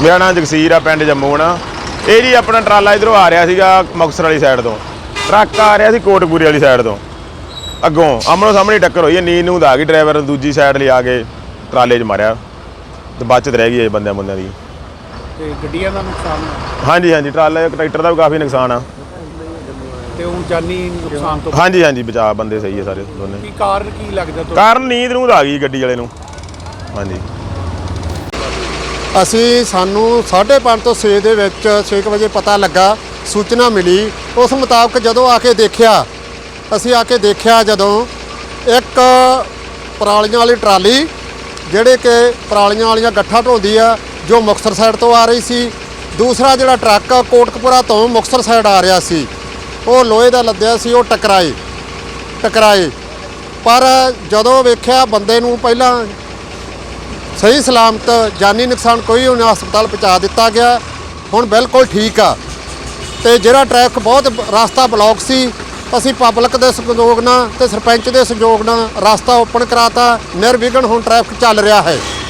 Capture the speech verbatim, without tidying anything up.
मेरा नाम जगसीर आ, पिंड जम्मू ना। ये जी अपना ट्राला इधरों आ रहा सीगा मुक्तसर वाली साइड तो, ट्रक आ रहा सी कोटकपूरे वाली साइड तो, अगों आमनो सामने टक्कर हुई है। नींद नूंद आ गई, ड्राइवर दूजी साइड ले आके ट्राले च मारिया तो बचत रह गई बंदे बुंदे की। गड्डियां दा नुकसान है? हाँ जी हाँ जी, ट्राले ट्रैक्टर का भी काफ़ी नुकसान आ। ਤੇ ਉਹ ਜਾਨੀ ਨੁਕਸਾਨ ਤੋਂ हाँ जी हाँ जी, बचा बंदे सही है सारे दोनों। ਕੀ ਕਾਰਨ ਕੀ ਲੱਗਦਾ ਤੁਹਾਨੂੰ? ਕਾਰਨ ਨੀਂਦ ਨੂੰਦ ਆ ਗਈ ਗੱਡੀ ਵਾਲੇ ਨੂੰ। ਹਾਂਜੀ ਅਸੀਂ ਸਾਨੂੰ ਸਾਢੇ ਪੰਜ ਤੋਂ ਛੇ ਦੇ ਵਿੱਚ ਛੇ ਕੁ ਵਜੇ ਪਤਾ ਲੱਗਾ, ਸੂਚਨਾ ਮਿਲੀ। ਉਸ ਮੁਤਾਬਕ ਜਦੋਂ ਆ ਕੇ ਦੇਖਿਆ, ਅਸੀਂ ਆ ਕੇ ਦੇਖਿਆ ਜਦੋਂ ਇੱਕ ਪਰਾਲੀਆਂ ਵਾਲੀ ਟਰਾਲੀ ਜਿਹੜੇ ਕਿ ਪਰਾਲੀਆਂ ਵਾਲੀਆਂ ਗੱਠਾਂ ਢੋਂਦੀ ਆ, ਜੋ ਮੁਕਤਸਰ ਸਾਈਡ ਤੋਂ ਆ ਰਹੀ ਸੀ। ਦੂਸਰਾ ਜਿਹੜਾ ਟਰੱਕ ਕੋਟਕਪੂਰਾ ਤੋਂ ਮੁਕਤਸਰ ਸਾਈਡ ਆ ਰਿਹਾ ਸੀ, ਉਹ ਲੋਹੇ ਦਾ ਲੱਦਿਆ ਸੀ, ਉਹ ਟਕਰਾਏ ਟਕਰਾਏ ਪਰ ਜਦੋਂ ਵੇਖਿਆ ਬੰਦੇ ਨੂੰ ਪਹਿਲਾਂ ਸਹੀ ਸਲਾਮਤ, ਜਾਨੀ ਨੁਕਸਾਨ ਕੋਈ ਨਹੀਂ, ਹਸਪਤਾਲ ਪਹੁੰਚਾ ਦਿੱਤਾ ਗਿਆ। ਹੁਣ ਬਿਲਕੁਲ ਠੀਕ ਆ। ਤੇ ਜਿਹੜਾ ਟ੍ਰੈਫਿਕ ਬਹੁਤ ਰਸਤਾ ਬਲੌਕ ਸੀ, ਅਸੀਂ ਪਬਲਿਕ ਦੇ ਸਹਿਯੋਗ ਨਾਲ ਤੇ ਸਰਪੰਚ ਦੇ ਸਹਿਯੋਗ ਨਾਲ ਰਸਤਾ ਓਪਨ ਕਰਾਤਾ। ਨਿਰਵਿਘਨ ਹੁਣ ਟ੍ਰੈਫਿਕ ਚੱਲ ਰਿਹਾ ਹੈ।